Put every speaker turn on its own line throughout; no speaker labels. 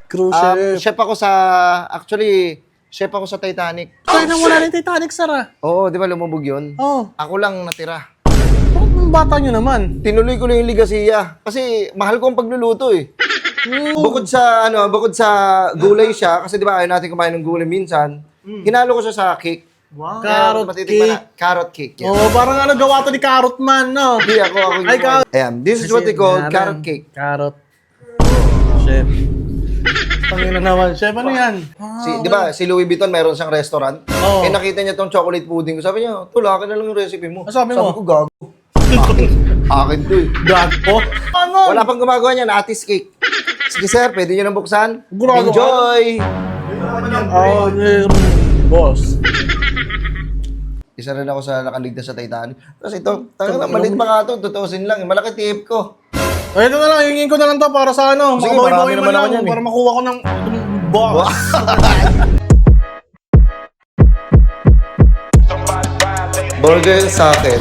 Cruise ship.
Chef ako sa Titanic.
Tayo na wala na yung Titanic, sir ah.
Oo, di ba lumubog yun?
Oo.
Ako lang natira.
Bakit yung bata nyo naman?
Tinuloy ko lang yung ligasiya. Kasi mahal ko ang pagluluto eh. Bukod sa gulay siya, kasi di ba ayaw natin kumain ng gulay minsan, hinalo ko siya sa cake.
Wow.
Kaya
Carrot
matitikman
cake.
Carrot cake. Yan.
Oo, parang gawa to ni Carrot Man, no?
Hindi ako yung
Ay, carrot.
Ayan, this is what they call carrot cake.
Carrot. Chef. Pangina naman. Chef, ano yan?
Di ba, si Louis Vuitton mayroon siyang restaurant.
Oo.
Eh nakita niya tong chocolate pudding ko. Sabi niya, tulakin na lang yung recipe mo.
Sabi mo?
Sabi ko, gago. Akin to eh.
Gago. Ano?
Wala pang gumagawa niyan, Atis cake. Sige sir, pwede niyo nang buksan.
Grabe.
Enjoy!
Oh, boss.
Isa rin ako sa nakaligtas sa Titanic. Kasi ito, talaga maliit pa nga ito, tutusin lang. Malaki tip ko.
Ay, ito na lang, hingin ko na lang to para sa ano.
Sige,
makabawi-bawi
marami
man
naman ako
lang,
yan eh.
para makuha ko ng boss.
Burger sa akin.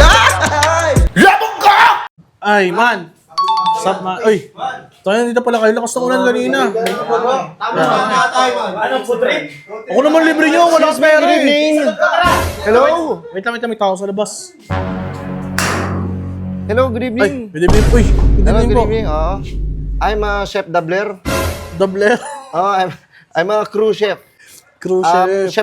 Ay, man. Sup, man. Uy. Tayo, dito pala kayo. Lakas ng ulan kanina. Ako naman libre nyo. Wala akong pera eh.
Hello?
Wait lang, may tao sa labas.
Hello, good
Ay,
evening.
good evening. Uy, good
Hello,
evening
good
po.
evening. I'm a chef Dabler.
Double.
I'm a crew chef.
Cruise ship.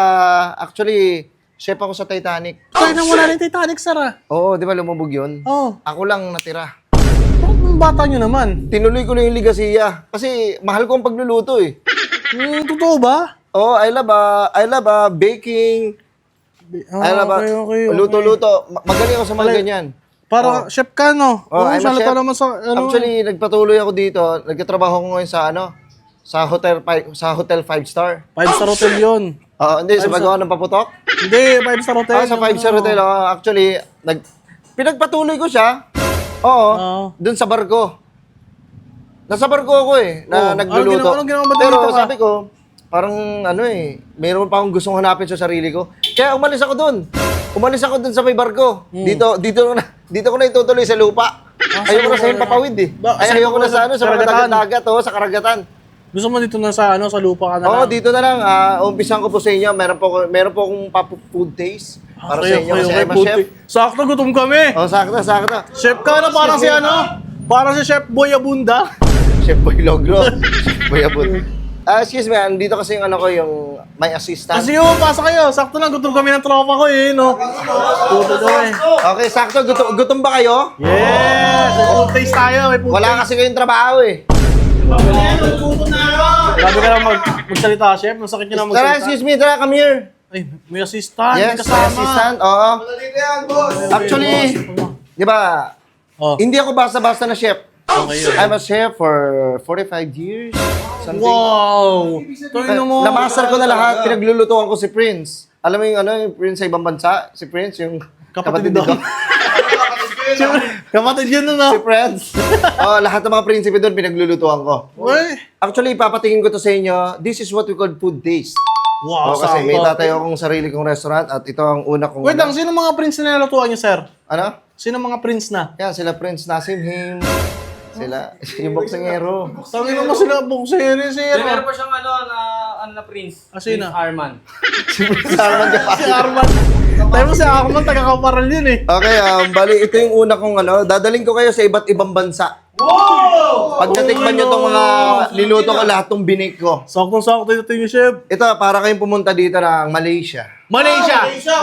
Chef ako sa Titanic.
Tayo na wala na yung Titanic, sir ah.
Oo, di ba lumubog yun?
Oo.
Ako lang natira.
Bakit yung bata nyo naman?
Tinuloy ko lang yung ligasiya. Kasi mahal ko ang pagluluto eh.
Totoo ba?
Oh, I love baking. I love
okay.
luto-luto. Magaling ako sa mga ganyan.
Para chef ka, no?
Oh, I'm a
salata
chef.
naman sa, ano.
Actually, nagpatuloy ako dito. Nagtatrabaho ko ngayon sa hotel 5-star.
5-star hotel yun.
Hindi, sa magawa ng paputok.
Hindi, 5-star hotel.
Sa 5-star hotel. Actually, pinagpatuloy ko siya. Oo. Doon sa barko. Nasa barko ako eh, na nagluluto.
Anong ginawa mo ba
Pero
dito ka?
sabi ko, parang mayroon pa akong gustong hanapin sa sarili ko. Kaya umalis ako doon. Umalis ako doon sa may barko. Dito ko na itutuloy sa lupa. Ayoko na sa himpapawid eh. Ayoko na sa
sa
mga
karagatan.
dagat, sa karagatan.
Gusto mo dito na sa lupa ka na
Oo,
lang?
dito na lang. Umpisan ko po sa inyo. Meron po akong food taste para sa inyo kasi I'm a chef.
Sakto, gutom kami.
Oh, sakto.
Chef ka na, parang si parang si Chef Boy Abunda.
Chef Boy Logro. Chef Boy Abun. Excuse me, dito kasi yung yung my assistant.
Kasi pasok kayo. Sakto lang, gutom kami ng tropa ko eh, no? Gutom kami.
Okay, sakto. Gutom ba kayo?
Yes! May food taste tayo, may food
Wala kasi kayong trabaho eh.
Grabe ka lang magsalita, Chef. Masakit nyo na
Tara,
magsalita.
excuse me. Tara, come here.
Ay, may assistant.
Yes,
may
my
kasama.
assistant. Oo. Actually, di ba,
Oh,
hindi ako basta-basta na chef.
okay yun.
I'm a chef for 45 years. Something.
Wow! Tayo mo.
Namaster ko na lahat. Pinaglulutuan ko si Prince. Alam mo yung Prince sa ibang bansa? Si Prince, yung
Kapatid nito. Kapatid yun na,
Si Prince. Lahat ng mga prinsipe doon pinaglulutuan ko.
Uy!
Actually, ipapatingin ko to sa inyo. This is what we call food taste.
Wow,
Kasi may
sakto.
tatayo akong sarili kong restaurant at ito ang una kong...
Wait lang, sino mga prince na nilutuan niyo, sir?
Ano?
Sino mga prince na?
Yan, sila Prince Nasim Him. Sila, yung boksingero.
Tangin mo sila bukseri, sir.
Meron pa siyang na prince.
Sino?
Prince Arman.
Si Prince Arman
Si Arman. Tayo mo si Arman, taga-kaparal yun eh.
Okay, bali, ito yung una kong dadaling ko kayo sa iba't ibang bansa. Wow! Pag natikman nyo itong mga niluto ko, lahat ng binik ko.
Sakto-sakto ito yung chef.
Ito, para kayong pumunta dito ng Malaysia.
Malaysia!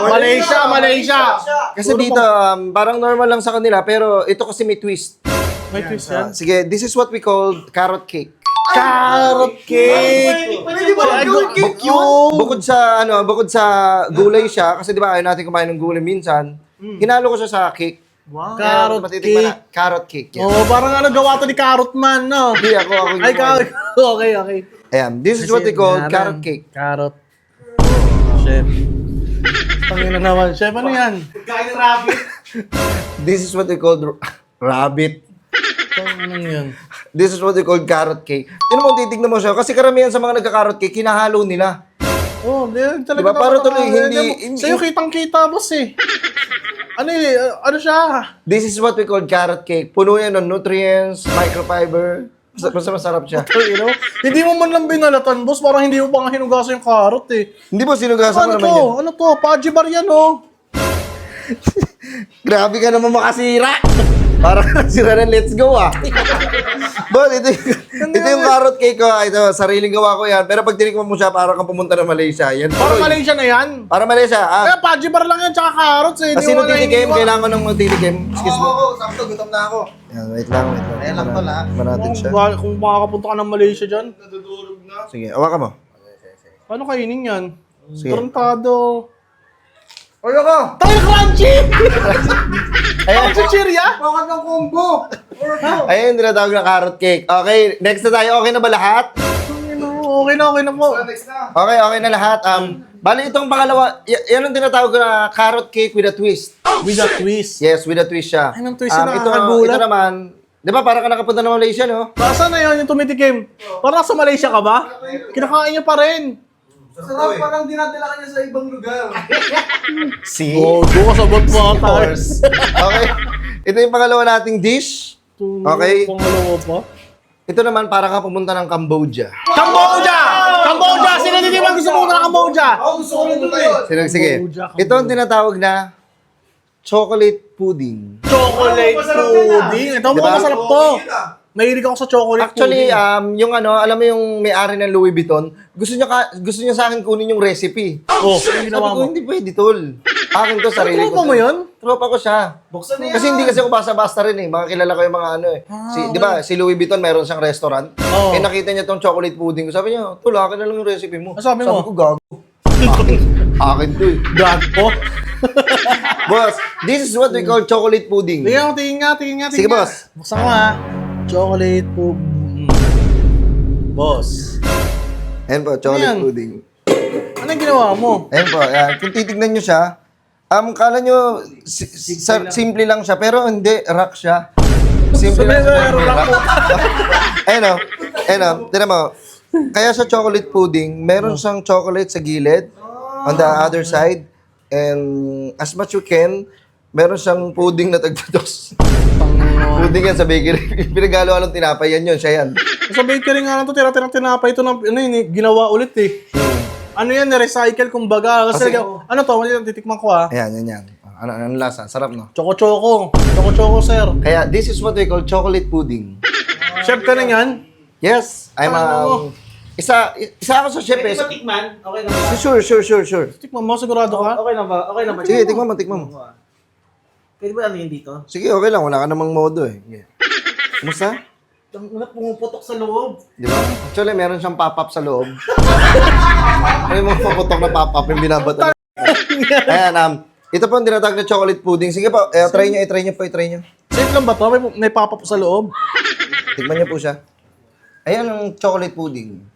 Kasi dito, parang normal lang sa kanila, pero ito kasi may twist.
May twist yan.
Sige, this is what we call carrot cake.
Carrot cake!
Pwede ba carrot cake yun? Bukod sa gulay siya, kasi di ba ayaw natin kumain ng gulay minsan, hinalo ko siya sa cake.
Wow.
Kaya
Carrot
matitikman
cake.
na- Carrot cake. Yan.
Oh, parang gawa to ni Carrot Man, no?
Hindi, ako yung
Ay,
gumawa.
okay.
Ayan, this is what we call carrot cake.
Carrot. Chef. Tangina naman. Chef, ano yan?
This is what we call rabbit.
Ano yan?
This is what we call carrot cake. Titignan mo siya. Kasi karamihan sa mga nagka-carrot cake, hinahalo nila.
Oh, di talaga.
Diba, para tuloy,
Sa'yo kitang-kita, boss eh. Ano siya?
This is what we call carrot cake. Puno yan ng nutrients, microfiber. Basta masarap siya.
You know? Hindi mo man lang binalatan, boss. Parang hindi mo pa nga hinugasan yung carrot eh.
Hindi ba sinugasan
Ano
mo naman
to?
yan?
Ano to? Paji bar yan, oh.
Grabe ka naman makasira. Parang nasira ng let's go ah. Boss, ito yung carrot cake ko. Ito, sariling gawa ko yan. Pero pag tinikman mo siya, parang kang pumunta ng Malaysia. Yan,
Parang
tuloy.
Malaysia na yan.
Para Malaysia.
Kaya paji bar lang yan, tsaka carrots eh.
Kasi
Hindi mo
nung
na
titikim,
iniwan.
kailangan ko ng magtitikim. Excuse me.
Sakto, gutom na ako.
Yan, wait lang.
Ayan lang pala.
Tikman natin siya.
Kung makakapunta ka ng Malaysia dyan,
Nadudurog na.
Sige, hawakan mo.
paano kainin yan?
Sige.
Tarantado.
Oyo ko!
Tayo crunchy!
Ayan.
Ang chichirya?
Bakit ng combo?
Ayan yung tinatawag na carrot cake. Okay, next na tayo. Okay na ba lahat?
Okay na po.
Next na.
Okay na lahat. Bali itong pangalawa, yan ang tinatawag ko na carrot cake with a twist.
With a twist.
Yes, with a twist siya.
Ay, ng twist na
ito
nakakagulat.
naman, di ba parang ka nakapunta ng Malaysia, no?
Saan na yun yung tumitikim? Parang sa Malaysia ka ba? Kinakain niyo pa rin.
Sarap, parang dinadala ka niya sa ibang lugar.
See?
Oh, doon ka sa bot mo
Of course. Okay. Ito yung pangalawa nating dish. Okay.
Pangalawa pa.
Ito naman para ka pumunta ng Cambodia.
Cambodia! Cambodia! Sino hindi man gusto pumunta ng Cambodia?
Ako gusto ko rin ito eh.
Sige.
Cambodia.
Ito ang tinatawag na chocolate pudding.
Chocolate
masarap yan, ah.
pudding. Ito
Diba?
mukhang masarap to. Mahilig ako sa chocolate
Actually,
pudding.
yung ano, alam mo yung may-ari ng Louis Vuitton, gusto niya sa akin kunin yung recipe.
Oh,
Sabi
ano ginawa
ko,
mo?
hindi pwede, tol. Akin to, sarili ko.
Tropa mo yun?
Tropa ko siya.
Buksan na yan.
Kasi hindi kasi ako basta-basta rin eh. Mga kilala ko yung mga ano eh. Di ba, si Louis Vuitton mayroon siyang restaurant.
Oo.
Eh nakita niya tong chocolate pudding ko. Sabi niya, tol, akin na lang yung recipe mo.
Ano sabi mo?
ko, gago. akin to eh.
Gago.
Boss, this is what we call chocolate pudding.
Tingin nga.
Sige, boss.
Buksan ko ha. Chocolate pudding. Boss.
Ayan po, chocolate
Ayan.
pudding.
Anong ginawa mo?
Ayan po, ayan. Kung titignan nyo siya, kala nyo, simple lang siya, pero hindi, rock siya. Simple lang siya.
rock po.
Ayun o, tinan mo. Kaya sa chocolate pudding, meron siyang chocolate sa gilid, on the other side, and as much you can, meron siyang pudding na tagtutos. Pudding yan sa bakery. Pinagalo-along tinapay, yan yun, siya yan.
Sa bakery nga lang to, tira-tirang tinapay ito na, ano yun, ginawa ulit eh. Ano yan, recycle kumbaga. Kasi, ano to, titikman ko ha.
Ayan, yan. Ano lasa? Sarap, no?
Choco-choco. Choco-choco, sir.
Kaya, this is what we call chocolate pudding.
Chef ka na yan?
Yes, I'm isa ako sa chef eh.
Matikman? Okay na ba?
Sure.
Tikman mo, sigurado ka?
Okay na ba? Okay na ba?
Sige, tikman mo.
Pwede ba ano yun dito?
Sige, okay lang. Wala ka namang modo eh. Sige. Kumusta?
Ang una pumuputok sa loob.
Di ba? Actually, meron siyang pop-up sa loob. May mga paputok na pop-up yung binabato. Ayan, ito po ang tinatawag na chocolate pudding. Sige po, try nyo po.
Safe lang ba to? May papa po sa loob.
Tikman niyo po siya. Ayan ang chocolate pudding.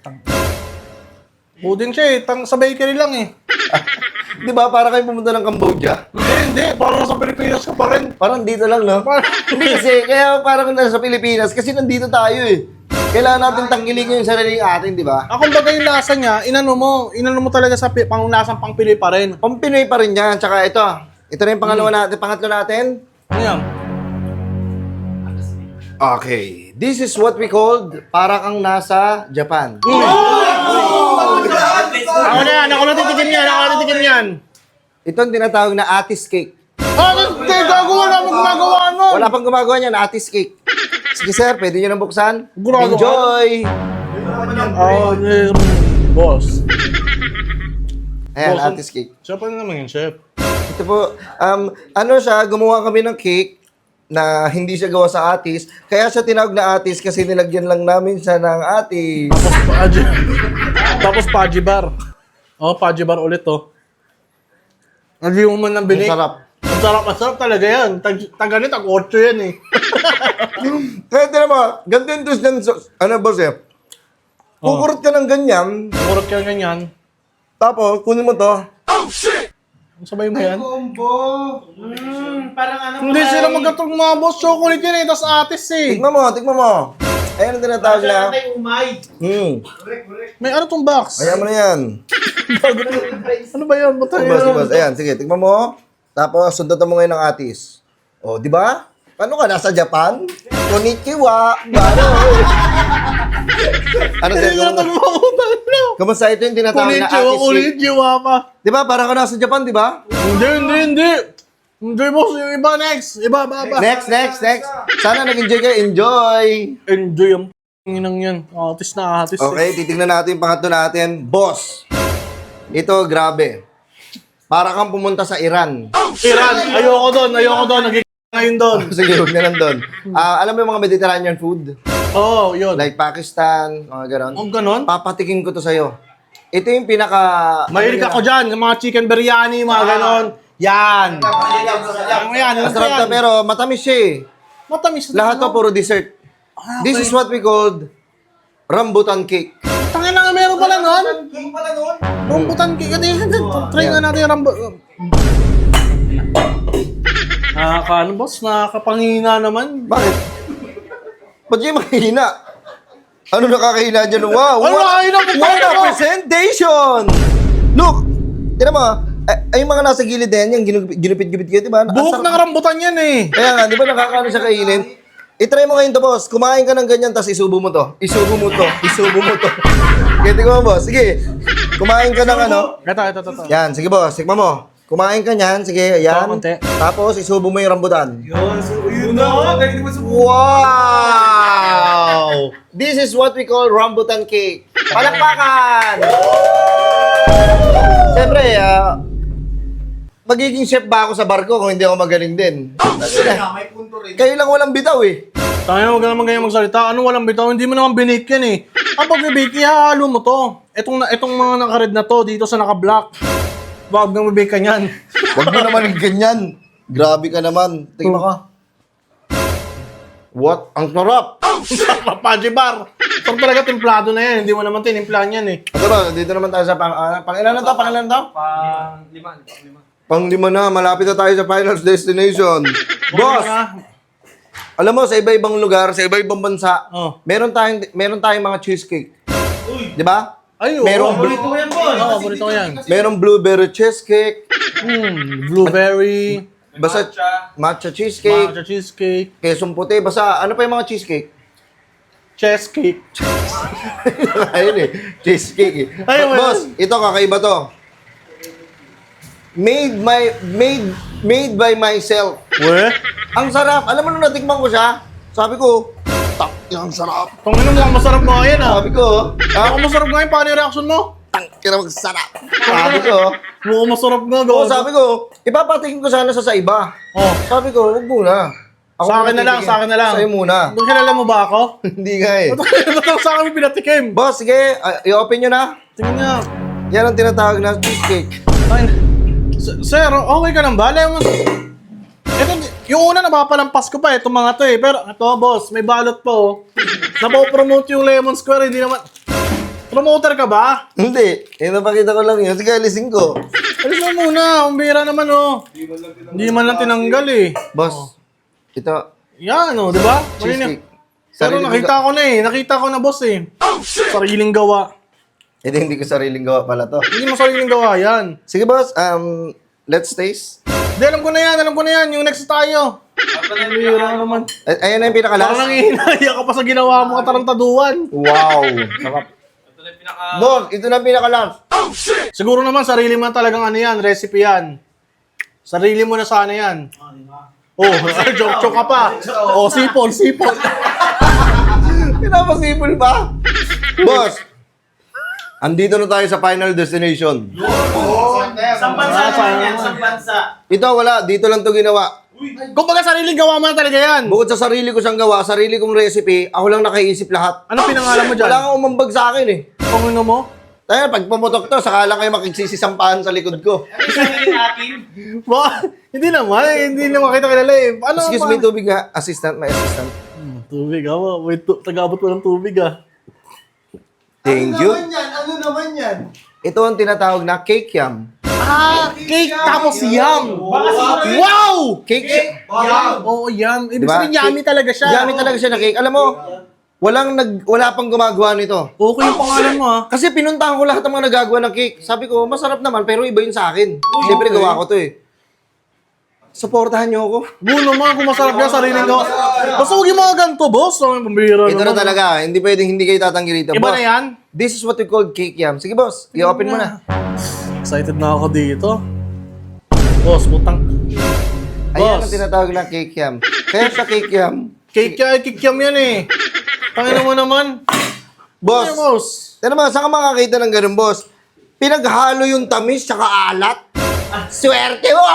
Pudding siya eh. Sa bakery lang eh.
Di ba? Para kayo pumunta ng Cambodia.
Hindi. Parang nasa Pilipinas ka pa rin.
Parang dito lang, no? Hindi kasi, kaya parang nasa Pilipinas. Kasi nandito tayo eh. Kailangan natin tanggalin yung sarili atin, di ba?
Ako baga yung lasa niya, inano mo talaga sa panglasang pang Pinoy pa rin.
Pang Pinoy pa rin yan. Tsaka ito. Ito na yung pangatlo natin.
Ano yan?
Okay. This is what we called para kang nasa Japan.
Ako na titikim yan.
Ito ang tinatawag na atis cake.
Hindi, gagawa na mo gumagawa nun.
Wala pang gumagawa niyan, atis cake. Sige sir, pwede nyo nang buksan.
Gumagawa.
Enjoy!
Boss.
Ayan,
Boss,
atis cake.
Chef, ano naman yun, chef?
Ito po, ano siya, gumawa kami ng cake na hindi siya gawa sa atis. Kaya siya tinawag na atis kasi nilagyan lang namin siya ng atis.
Tapos Paji bar. Oh, Paji bar ulit oh. Hindi mo man nang binik.
Ang sarap.
Ang sarap talaga yan. Tag-ganit, tag-8 yan eh.
Kaya tinan mo, ganito yung twist ng, ano boss eh, kukurot ka ng ganyan,
Kurot ka ganyan.
tapos kunin mo to,
Ang sabay mo yan.
Combo.
Parang ano
Hindi sila magkatong mga boss. Chocolate yan eh. Tapos atis eh.
tikman mo. Ayan ang tinatawag na,
Ay, umay.
May ano tong box?
ayan mo na yan.
Ano ba yan? Ba't
Boss, ayan, sige, tikman mo. Tapos, sundutan mo ngayon ng atis. O, di ba? Paano ka? Nasa Japan? Konnichiwa. Baro. Ano sir?
Hindi na magmamutang na.
Kamusta ito yung tinatawag na
Konnichiwa,
artist cake?
konnichiwa pa.
Di ba? Parang ka nasa Japan, di ba?
Hindi. Hindi, boss. Yung iba next. Iba.
Next. Sana nag-enjoy kayo. Enjoy!
Enjoy ang inang yan. Artist na artist.
Okay, titignan natin yung pangatlo natin. Boss! Ito, grabe. Para kang pumunta sa Iran.
Iran. Ayoko doon. Nagiging ngayon doon.
Sige, huwag na lang doon. Alam mo yung mga Mediterranean food?
Oo, yun.
Like Pakistan, mga ganon.
Ang ganon?
Papatikin ko to sa'yo. Ito yung pinaka...
Mahilig ako dyan. Yung mga chicken biryani, mga ganon. Yan. Yan.
Masarap na pero matamis siya eh.
Matamis.
Lahat to puro dessert. This is what we called rambutan cake.
Tangin na nga, meron pala nun.
King pala nun.
Rambutan cake. Try nga natin yung rambutan. Ano boss? Nakakapangina naman.
Bakit? Ba't yung mahina? Ano nakakahina dyan? Wow!
Ano nakakahina?
What a presentation! Look! Tira mo, ay yung mga nasa gilid na yan, yung ginupit-gupit kayo, di ba?
Buhok ng rambutan yan eh.
Kaya nga, di ba nakakaano siya kainin? I-try mo ngayon to, boss. Kumain ka ng ganyan, tapos isubo mo to. Isubo mo to. Kaya tingnan mo, boss. Sige. Kumain ka ng ano.
Ito.
Yan, sige boss. Tikman mo. Kumain ka niyan. Sige, yan.
konti.
Tapos isubo mo yung rambutan.
Yun na. Galing naman sa
Wow! This is what we call rambutan cake. Palakpakan! Siyempre, magiging chef ba ako sa barko kung hindi ako magaling din?
may punto rin.
Kayo lang walang bitaw eh.
Tayo huwag ka naman ganyan magsalita. Ano walang bitaw? Hindi mo naman binake yan eh. Ang pag-bake, ihalo mo to. Itong mga naka-red na to, dito sa naka-black. Huwag nang bibake ka niyan.
Huwag mo naman yung ganyan. Grabe ka naman. Tingnan ka. What? Ang sarap!
Papaji bar. Ito talaga templado na yan. Hindi mo naman tinimplahan yan eh.
Ito ba, dito naman tayo sa pangilan na to? Pang-lima na, malapit na tayo sa finals destination. Boss, alam mo, sa iba-ibang lugar, sa iba-ibang bansa,
Oh.
meron tayong mga cheesecake. Di ba?
Ay,
Merong
Paborito ko yan, boss.
Oo, paborito ko yan.
Merong blueberry cheesecake,
Blueberry,
basta matcha cheesecake,
matcha cheesecake,
quesong puti, basta ano pa yung mga cheesecake?
chess cake.
Ayun eh, cheesecake eh.
Ay, wala.
Boss, ito kakaiba to. Made by myself.
We?
Ang sarap. Alam mo nung natikman ko siya, sabi ko, tak, ang sarap.
Tungin mo, masarap mo yan ah.
Sabi ko,
Ako masarap nga yung paano yung reaction mo?
kira sarap. Sabi ko,
Mukhang masarap nga.
oo, sabi ko, ipapatikin ko sana sa iba.
Oh.
Sabi ko, huwag muna.
Sa akin na lang,
titikim.
sa akin na lang.
Sa'yo muna.
Doon kilala mo ba ako?
Hindi nga eh.
Ba't sa akin mo pinatikim?
Boss, sige, i-open nyo na.
Tingnan niya.
Yan ang tinatawag na cheesecake.
Ay, sir, okay ka lang ba? Alam mo, ito, yung una napapalampas ko pa itong mga to eh. Pero ito boss, may balot pa oh. Napopromote yung Lemon Square, hindi naman. Promoter ka ba?
Hindi. Napakita ko lang yun. Sige, alisin ko.
Alis mo muna, umbira naman oh. Hindi man lang tinanggal eh.
Boss, ito,
Yan oh, di ba?
cheesecake.
Pero nakita ko na eh, nakita ko na boss eh. Sariling gawa.
Hindi ko sariling gawa pala to.
Hindi mo sariling gawa yan.
Sige boss, let's taste.
Hindi, alam ko na yan. Yung next tayo. Umbira naman.
Ayan na yung
Parang
pinakalas.
nangihinaya ka pa sa ginawa mo katarantaduan.
Wow. Sarap. Boss, ito na yung pinakalas.
Siguro naman, sarili mo na talagang ano yan, recipe yan. Sarili mo na sana yan. Oh, joke ka pa. Oh, sipon.
Pinapasipol pa. Boss, andito na tayo sa final destination.
Isang bansa naman yan, isang bansa.
Ito wala, dito lang to ginawa.
Kung baga sariling gawa mo na talaga yan.
Bukod sa sarili ko siyang gawa, sarili kong recipe, ako lang nakaisip lahat.
Ano pinangalan mo dyan?
Wala kang umambag sa akin eh.
Kung ano mo?
Tayo, pag pumutok to, saka lang kayo makigsisisampahan sa likod ko.
Ano yung sarili natin?
Hindi naman kita kilala eh. Ano
Excuse me, tubig nga. Assistant, may assistant.
Tubig, awa. Wait, tagabot ko ng tubig ah.
Thank you.
Ano naman yan?
Ito ang tinatawag na cake yam.
Cake tapos yum.
Baka siguro yun.
Wow!
Cake siya.
Oo, yum. Ibig
Diba?
sabihin, yummy talaga siya.
Yummy talaga siya na cake. Alam mo, wala pang gumagawa nito.
Okay yung pangalan mo ah.
Kasi pinuntahan ko lahat ng mga nagagawa ng cake. Sabi ko, masarap naman, pero iba yun sa akin. Siyempre, gawa ko to eh. Suportahan niyo ako.
Bu naman, kung masarap yan, sariling gawa. Basta huwag yung mga ganito, boss. Ang pambira
Ito na
naman.
talaga. Hindi pwedeng hindi kayo tatanggi rito.
Iba
Boss,
na yan?
this is what we call cake yam. Sige, boss. I-open mo na.
Excited na ako dito. Boss, putang.
Ayan ang
Boss,
tinatawag na cake yam. Kaya sa cake yam,
kikiam yan eh. Tangina mo naman.
boss,
Ano, boss?
ano naman, saan ka makakita ng ganun, boss? Pinaghalo yung tamis tsaka alat. Swerte mo!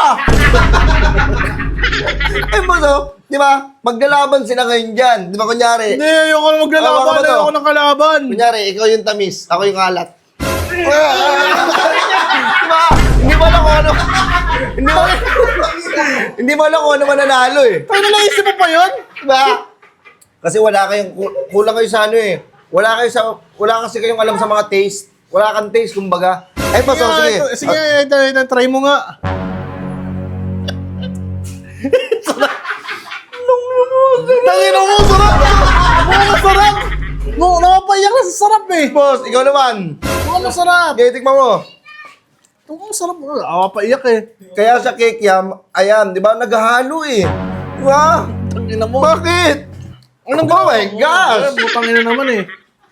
Eh, boss, oh, di ba? Maglalaban sila ngayon dyan. Di ba, kunyari?
Hindi, ayoko na maglalaban.
Hawakan mo to.
Ayoko ng kalaban.
Kunyari, ikaw yung tamis, ako yung alat. Di ba? Hindi mo alam kung ano. Hindi mo alam kung ano mananalo eh.
Ano naisip mo pa yun?
Diba? Kasi wala kayong, kulang kayo sa ano eh. Wala kasi kayong alam sa mga taste. Wala kang taste, kumbaga. Ay, boss, oh, sige.
Sige, try mo nga. Tangina mo, sarap! Mukhang masarap! Nakapaiyak na sa sarap eh.
Boss, ikaw naman.
Mukhang masarap.
Okay, tikman mo.
Mukhang masarap. Nakapaiyak eh.
Kaya sa cake yam, ayan, di ba, naghahalo eh. Di ba?
Tangina mo.
Bakit?
Anong
Oh my gosh!
Butang ina naman eh.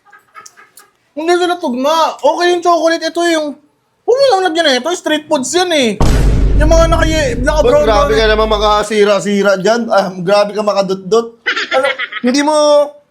Hindi sila tugma. Okay yung chocolate. Ito yung... Huwag mo lang lagyan eh. Ito yung street foods yan eh. Yung mga
Boss,
naka-brown
grabe ka naman makasira-sira dyan. Grabe ka makadot-dot. Ano, hindi mo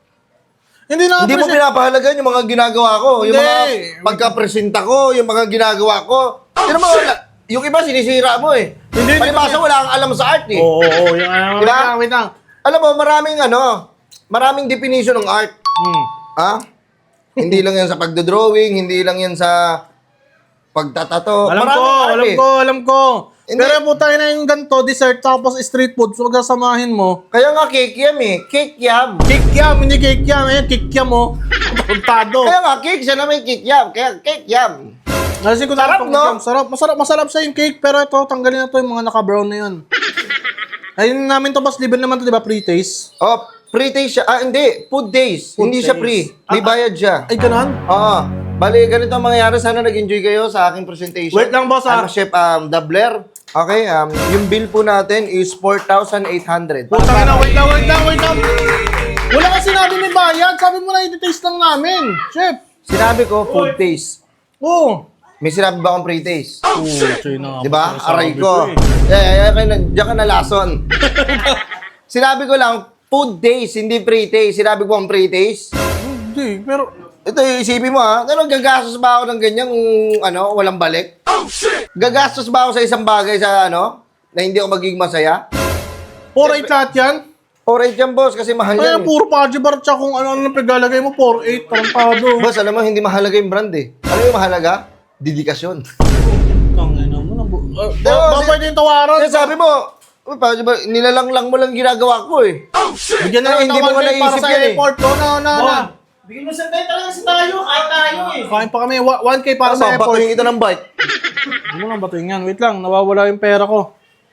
pinapahalagan yung mga ginagawa ko. Yung
Hindi.
mga pagkapresenta ko, yung mga ginagawa ko. Pero yung iba sinisira mo eh.
Hindi,
Palibasa wala kang alam sa art eh.
Oo, yung
Diba?
wait lang.
Alam mo, maraming definition ng art. Ha? Hindi lang yan sa pagdodrawing, hindi lang yan sa pagtatato. Maraming art eh.
Alam ko.
Hindi.
Pero po tayo na yung ganito, dessert tapos street food, so magsasamahin mo.
Kaya nga cake yam eh. Cake yam.
Kikiam, hindi kikiam eh. Kikiam mo. Puntado.
Kaya nga cake, siya naman cake yam. Kaya cake yam.
Kasi ko
Sarap, no?
Masarap sa yung cake, pero ito, tanggalin na to yung mga naka-brown na yun. Ayun namin to, boss, libre naman to, di ba, pre-taste?
Oh, pre-taste siya. Ah, hindi. Food days.
Food
hindi siya
days.
free. May bayad siya.
Ay, ganun?
Oo. Bali, ganito ang mangyayari. Sana nag-enjoy kayo sa aking presentation.
Wait lang, boss,
I'm Chef Dabler. Okay, yung bill po natin is 4,800.
Putang ina, wait lang. Wala ka sinabi may bayad. Sabi mo na i-taste lang namin. Chef.
Sinabi ko, food taste.
Oo.
May sinabi ba akong pre-taste?
Oo,
Di ba? Aray ko. Diyan ka na lason. Sinabi ko lang, food days, hindi pre-taste. Sinabi ko ang pre-taste.
Hindi, pero...
Ito, isipin mo ha. Ano, gagastos ba ako ng ganyan kung walang balik? Gagastos ba ako sa isang bagay na hindi ako magiging masaya?
4-8 lahat yan?
Alright yan, boss, kasi mahal
Kaya
yan.
puro Paji Bar tsaka kung ano-ano paglalagay mo, 4-8, tarantado.
Boss, alam mo, hindi mahalaga yung brand eh. Alam mo yung mahalaga? Dedikasyon.
Tangina mo na.
Pero,
Ba pwede yung tawaran?
Kaya sabi mo, uy, Paji Bar, nilalang mo lang ginagawa ko eh.
Bigyan na lang
Hindi mo
tawaran
ko
kayo para
naisip
sa
yan eh.
airport. Na.
Bigyan mo sa tayo talaga sa tayo. Kahit tayo eh.
Kain pa kami, 1K para sa
Ano,
airport.
batuhin ito ng bike.
Hindi mo lang batuhin yan. Wait lang, nawawala yung pera ko.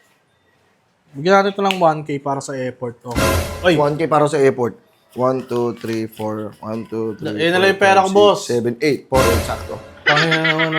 Bigyan natin ito lang 1K para sa airport. Oh. Ay,
1K para sa airport. 1, 2, 3, 4. 1, 2, 3,
Ayun na lang yung pera ko, boss.
7, 8. 4, sakto.
tangina naman.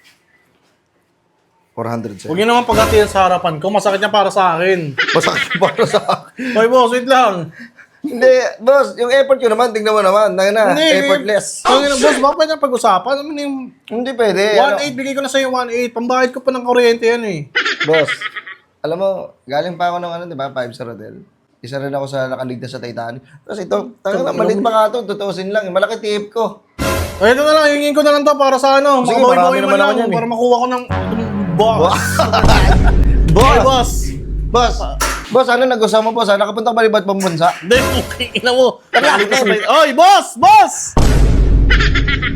407.
Huwag yun naman paghatiyan sa harapan ko. Masakit niya para sa akin.
Masakit para sa akin.
Oy, boss, wait lang.
Hindi, boss, yung airport ko naman, tignan mo naman. Effortless.
Tangina, boss, baka pwede na pag-usapan. Ano yung
Hindi pwede.
1.8, bigay ko na sa'yo 1.8. Pambayad ko pa ng kuryente yan eh.
Boss, alam mo, galing pa ako ng di ba, 5-star hotel. Isa rin ako sa nakaligtas sa Titanic. Tapos ito, malit pa nga ito, 2,000 lang. Malaki tip ko.
Ay, ito na lang, hingin ko na lang to para sa ano.
Sige,
Makabawi-bawi
marami
man
naman
lang.
ako yan eh.
Para makuha ko ng boss.
Boss!
Boss.
Boss! Boss, ano nag-usap mo, boss? Nakapunta ka ba libat pang bansa?
Hindi, okay, ina mo. Oy, boss! Boss!